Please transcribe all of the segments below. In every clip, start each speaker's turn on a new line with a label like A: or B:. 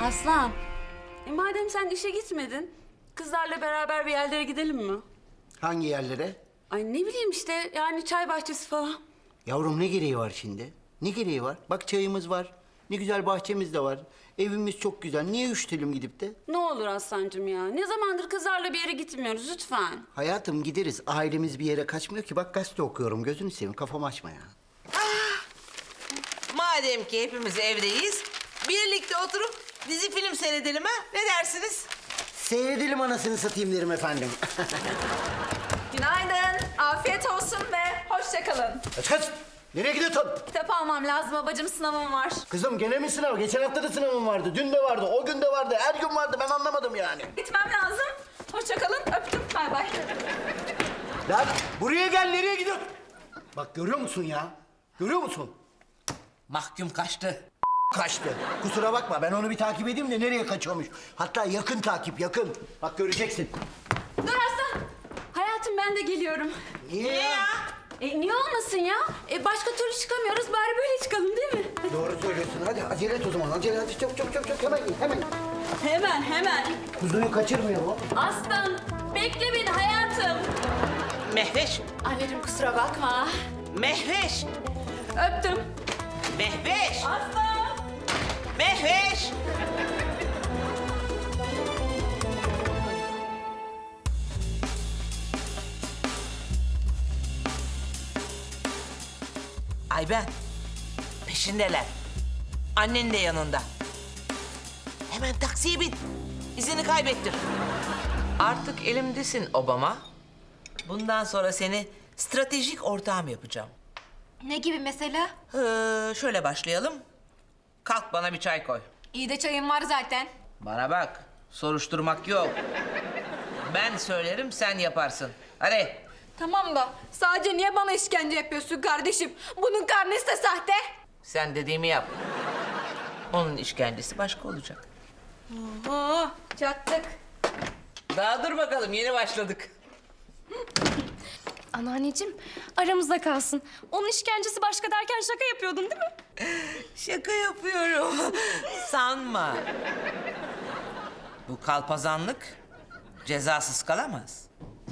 A: Aslan, madem sen işe gitmedin, kızlarla beraber bir yerlere gidelim mi?
B: Hangi yerlere?
A: Ay ne bileyim işte, yani çay bahçesi falan.
B: Yavrum ne gereği var şimdi? Ne gereği var? Bak çayımız var. Ne güzel bahçemiz de var. Evimiz çok güzel. Niye üşütelim gidip de?
A: Ne olur Aslancığım ya, ne zamandır kızlarla bir yere gitmiyoruz lütfen.
B: Hayatım gideriz. Ailemiz bir yere kaçmıyor ki. Bak gazete okuyorum. Gözünü seveyim. Kafamı açma ya.
C: Madem ki hepimiz evdeyiz, birlikte oturup dizi film seyredelim ha? Ne dersiniz?
B: Seyredelim anasını satayım derim efendim.
D: Günaydın, afiyet olsun ve hoşça kalın.
B: Kaç. Nereye gidiyorsun?
D: Kitap almam lazım babacığım, sınavım var.
B: Kızım gene mi sınav? Geçen hafta da sınavım vardı. Dün de vardı. O gün de vardı. Her gün vardı. Ben anlamadım yani.
D: Gitmem lazım. Hoşça kalın, öptüm, bay bay.
B: Lan buraya gel. Nereye gidiyorsun? Bak görüyor musun ya? Görüyor musun?
C: Mahkum kaçtı.
B: Kaçtı. Kusura bakma ben onu bir takip edeyim de nereye kaçıyormuş. Hatta yakın takip yakın. Bak göreceksin.
A: Dur Aslan, hayatım ben de geliyorum.
B: Niye ya?
A: Niye olmasın ya? Başka türlü çıkamıyoruz, bari böyle çıkalım değil mi?
B: Doğru söylüyorsun. Hadi acele et o zaman. Acele hadi çok çok çok çok hemen git hemen.
A: Hemen.
B: Kuzuyu kaçırmayalım.
A: Aslan, bekle beni hayatım.
C: Mehveş,
A: Anneciğim kusura bakma.
C: Mehveş,
A: Öptüm.
C: Mehveş,
A: Aslan.
C: Mehveş. Ay ben, peşindeler. Annen de yanında. Hemen taksiye bin. İzini kaybettir. Artık elimdesin Obama. Bundan sonra seni stratejik ortağım yapacağım.
D: Ne gibi mesela?
C: Şöyle başlayalım. Kalk bana bir çay koy.
D: İyi de çayım var zaten.
C: Bana bak, soruşturmak yok. Ben söylerim, sen yaparsın. Hadi.
D: Tamam da sadece niye bana işkence yapıyorsun kardeşim? Bunun karnesi de sahte.
C: Sen dediğimi yap. Onun işkencesi başka olacak.
D: Oo, çattık.
C: Daha dur bakalım, yeni başladık.
E: Anneanneciğim aramızda kalsın. Onun işkencesi başka derken şaka yapıyordun değil mi?
C: Şaka yapıyorum. Sanma. Bu kalpazanlık cezasız kalamaz.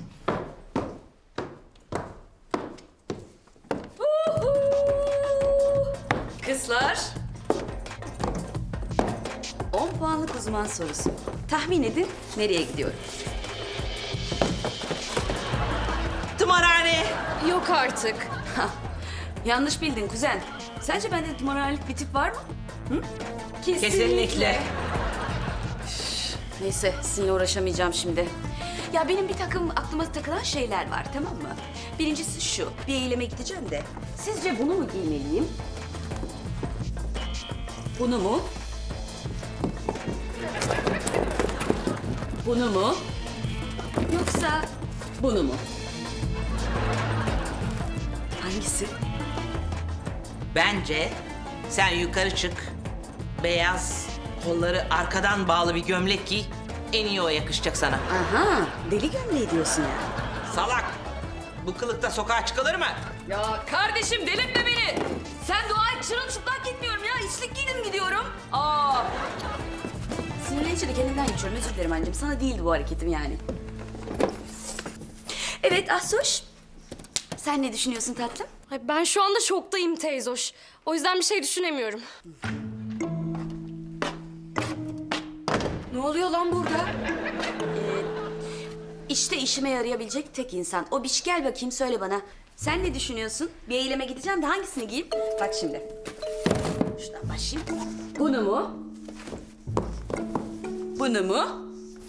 A: Kızlar. 10 puanlık uzman sorusu. Tahmin edin nereye gidiyorum?
C: Tımarhane.
E: Yok artık.
A: Hah, yanlış bildin kuzen. Sence bende tımarhanelik bir tip var mı?
C: Kesinlikle.
A: Neyse sizinle uğraşamayacağım şimdi. Ya benim bir takım aklıma takılan şeyler var tamam mı? Birincisi şu, bir eyleme gideceğim de. Sizce bunu mu giymeliyim? Bunu mu? Bunu mu? Yoksa bunu mu? Hangisi?
C: Bence sen yukarı çık. Beyaz, kolları arkadan bağlı bir gömlek giy. En iyi o yakışacak sana.
A: Aha, deli gömleği diyorsun yani.
C: Salak! Bu kılıkta sokağa çıkılır mı?
A: Ya kardeşim delirtme beni. Sen dua et çırılçıplak gitmiyorum ya. İçlik giydim gidiyorum. Aa. Sinirlenince de kendimden geçiyorum. Özür dilerim anneciğim. Sana değildi bu hareketim yani. Evet Ahsoş. Sen ne düşünüyorsun tatlım?
E: Ay, ben şu anda şoktayım teyzoş. O yüzden bir şey düşünemiyorum.
A: Ne oluyor lan burada? İşte işime yarayabilecek tek insan. O biç gel bakayım söyle bana. Sen ne düşünüyorsun? Bir eyleme gideceğim de hangisini giyeyim? Bak şimdi. Şuradan başlayayım. Bunu mu? Bunu mu?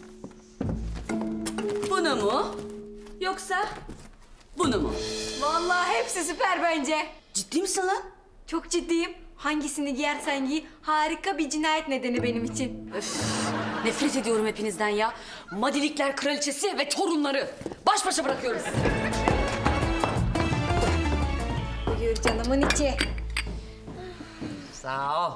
A: Bunu mu? Yoksa bunu mu?
D: Vallahi hepsi süper bence.
A: Ciddi misin lan?
D: Çok ciddiyim. Hangisini giyersen giy, harika bir cinayet nedeni benim için.
A: Öf, nefret ediyorum hepinizden ya. Madilikler kraliçesi ve torunları. Baş başa bırakıyorum sizi.
D: Buyur canımın içi.
C: Sağ ol.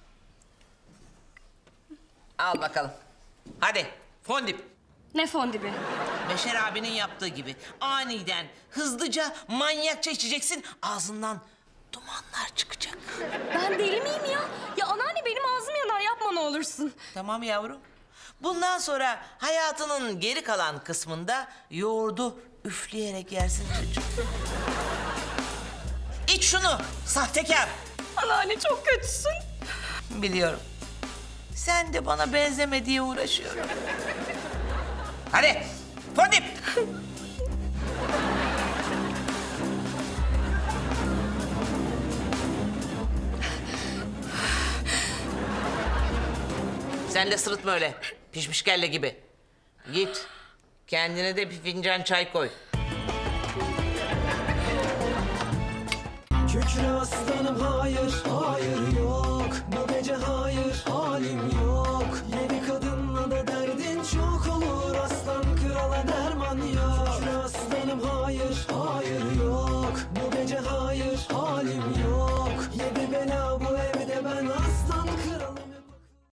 C: Al bakalım. Hadi fondip.
E: Ne fondibi?
C: Beşer abinin yaptığı gibi aniden, hızlıca, manyakça içeceksin. Ağzından dumanlar çıkacak.
E: Ben deli miyim ya? Ya anneanne benim ağzım yanar yapma yapma ne olursun.
C: Tamam yavrum. Bundan sonra hayatının geri kalan kısmında yoğurdu üfleyerek yersin çocuğum. İç şunu sahtekar.
E: Anneanne çok kötüsün.
C: Biliyorum. Sen de bana benzeme diye uğraşıyorum. Hadi Fadip. Sen de sırıtma öyle. Pişmiş kelle gibi. Git. Kendine de bir fincan çay koy.
F: Kükre aslanım hayır